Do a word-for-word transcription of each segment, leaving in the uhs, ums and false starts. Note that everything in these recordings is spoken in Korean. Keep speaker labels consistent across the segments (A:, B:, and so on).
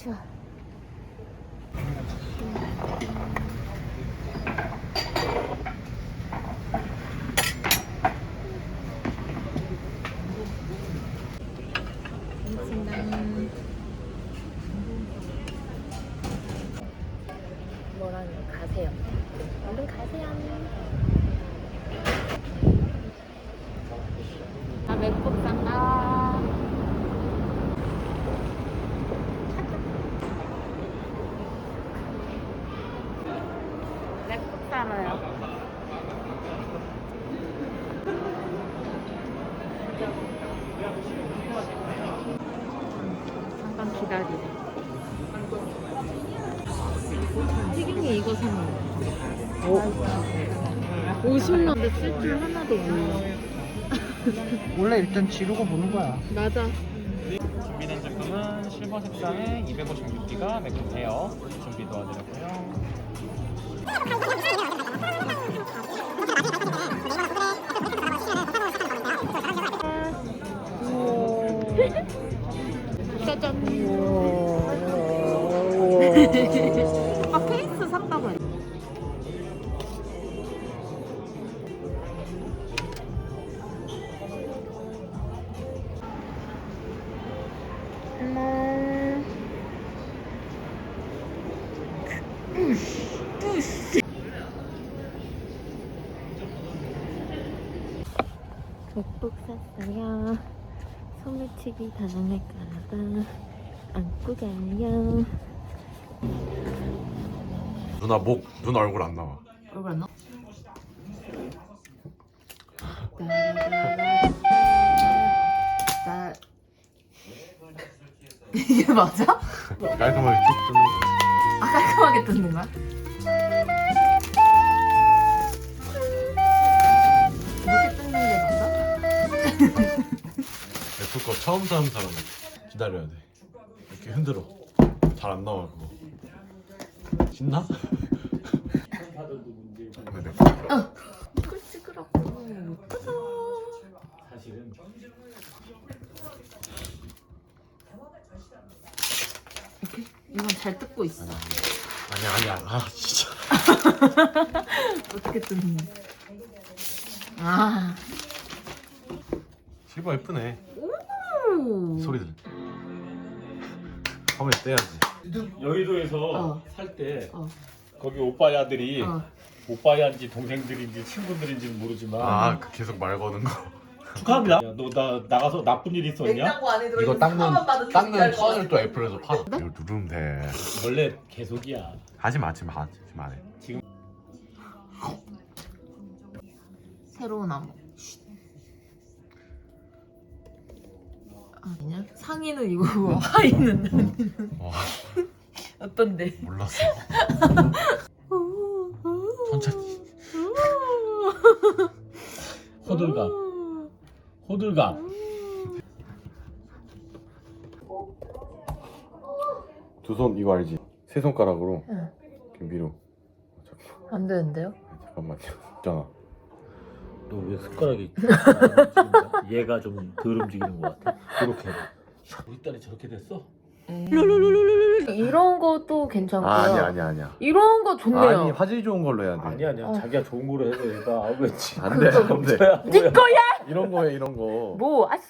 A: 추워. 뭐라는 가세요. 얼른 가세요. 아, 맥북 산다. 맥북 사러요. 잠깐 기다리래. 튀김이 이거 사면 오십만 원 쓸 줄 하나도 몰라.
B: 원래 일단 지르고 보는 거야.
A: 맞아.
C: 준비된 제품은 실버 색상의 이백오십육 기가 맥북 에어 준비 도와드렸고요.
A: 짜잔. 아까 케이스 샀다고 했 맥북 샀어요. 소매치기 당할까봐 안고 가요.
D: 누나 목, 눈 얼굴 안 나와.
A: 얼굴 안 나와? 나 이게 맞아?
D: 깔끔하게 쭉 뜨는 거.
A: 아, 깔끔하게 뜯는 거야? 이렇게 뜯는 게 맞아?
D: 애플 거 처음 사는 사람은 기다려야 돼. 이렇게 흔들어. 잘 안 나와 그거. 신나? 그래.
A: 어. 이걸 찍으라고. 짜잔.
C: 사실은
A: 이렇게? 이건 잘 뜯고 있어.
D: 아니야 아니야. 아 진짜.
A: 어떻게 뜯는 거야? 아.
D: 실버 예쁘네.
A: 오.
D: 소리 들. 화면에 떼야지.
C: 여의도에서
A: 어.
C: 살 때
A: 어.
C: 거기 오빠의 아들이
A: 어.
C: 오빠야인지 동생들인지 친구들인지는 모르지만
D: 아, 그 계속 말 거는 거.
C: 축하합니다. 야, 너 나 나가서 나쁜 일 있었냐?
E: 냉장고 안에 들어
D: 이거 닦는 닦는 턴을 또 애플에서 팔아. 이거 누르면 돼.
C: 원래 계속이야.
D: 하지 마, 하지 마, 하지 마.
C: 지금
A: 새로운 암호. 아니냐? 상의는 이거고 하의는
D: 와,
A: 어떤데?
D: 몰랐어. 천천히.
C: 호들갑 호들갑
D: 두 손 이거 알지? 세 손가락으로
A: 응.
D: 이렇게 위로.
A: 안 되는데요?
D: 잠깐만요. 있잖아.
C: 너 왜 숟가락이 움직인다? 얘가 좀 덜 움직이는 것 같아. 이렇게 우리 딸이 저렇게 됐어?
A: 이런 것도 괜찮고요.
D: 아, 아니야, 아니야, 아니야.
A: 이런 거 좋네요.
D: 아니, 화질 좋은 걸로 해야 돼.
C: 아니 아니야.
A: 어.
C: 자기가 좋은 거로 해서 얘가 아 왜 지?
D: 안 돼, 안 돼.
A: 네 거야?
D: 이런 거에 이런 거.
A: 뭐? 아씨.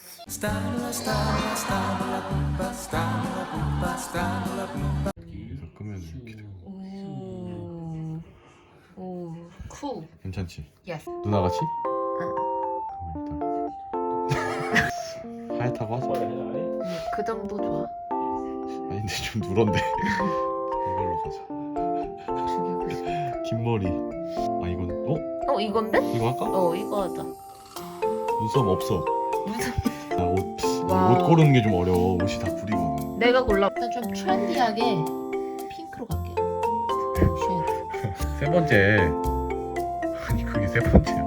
D: 그래서 끄면 이렇게 돼.
A: 오. 오. 쿨.
D: 괜찮지?
A: 예스.
D: 누나 같이?
A: 아.
D: 그럼 일단 하얗다고 하자.
A: 음, 그 정도 좋아.
D: 아니 근데 좀 누런데. 이걸로 가자.
A: 죽이고 싶어.
D: 긴 머리. 아 이건 어?
A: 어, 이건데?
D: 이거 할까?
A: 어, 이거 하자.
D: 눈썹 없어. 나옷
A: 와우.
D: 옷 고르는 게 좀 어려워. 옷이 다 구리거든.
A: 내가 골라. 일단 좀 트렌디하게 핑크로 갈게요. 쉐이드.
D: 세 번째. 아니 그게 세 번째야.